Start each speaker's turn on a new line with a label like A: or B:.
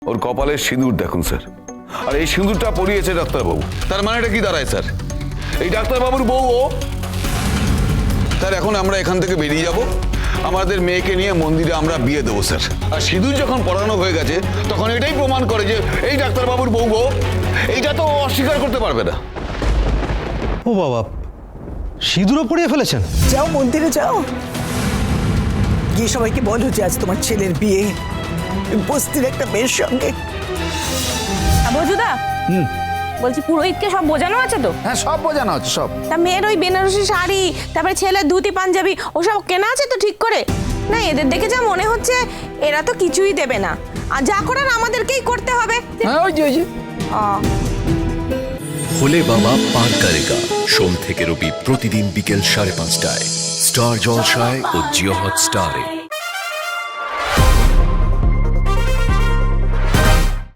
A: ওর কপালের সিঁদুর দেখুন স্যার, আর এই সিঁদুরটা পরিয়েছে ডাক্তারবাবু। তার মানে এটা কি দাঁড়ায় স্যার? এই ডাক্তারবাবুর বউ ও। স্যার এখন আমরা এখান থেকে বেরিয়ে যাব, আমাদের মেয়েকে নিয়ে মন্দিরে আমরা বিয়ে দেবো স্যার। আর সিঁদুর যখন পড়ানো হয়ে গেছে তখন এটাই প্রমাণ করে যে এই ডাক্তারবাবুর বউ ও। এইটা তো অস্বীকার করতে পারবে না।
B: ও বাবা, সিঁদুরও পরিয়ে ফেলেছেন?
C: যাও মন্দিরে যাও, গিয়ে সবাইকে বলো যে আজ তোমার ছেলের বিয়ে বস্তির একটা মেয়ের সঙ্গে।
D: বজুদা, বলছি পুরোহিতকে সব বোঝানো আছে তো?
E: হ্যাঁ, সব বোঝানো হচ্ছে সব।
D: তা মেয়ের ওই বেনারসি শাড়ি, তারপরে ছেলের ধুতি পাঞ্জাবি ওসব কেনা আছে তো ঠিক করে? না, এদের দেখে যা মনে হচ্ছে এরা তো কিছুই দেবে না, আর যা করার আমাদেরকেই করতে হবে।
E: হ্যাঁ, ওই যে
F: ভোলে বাবা পার করেগা, সোম থেকে রবি প্রতিদিন বিকেল 5:30টায় স্টার জলসায় ও জিও হটস্টারে।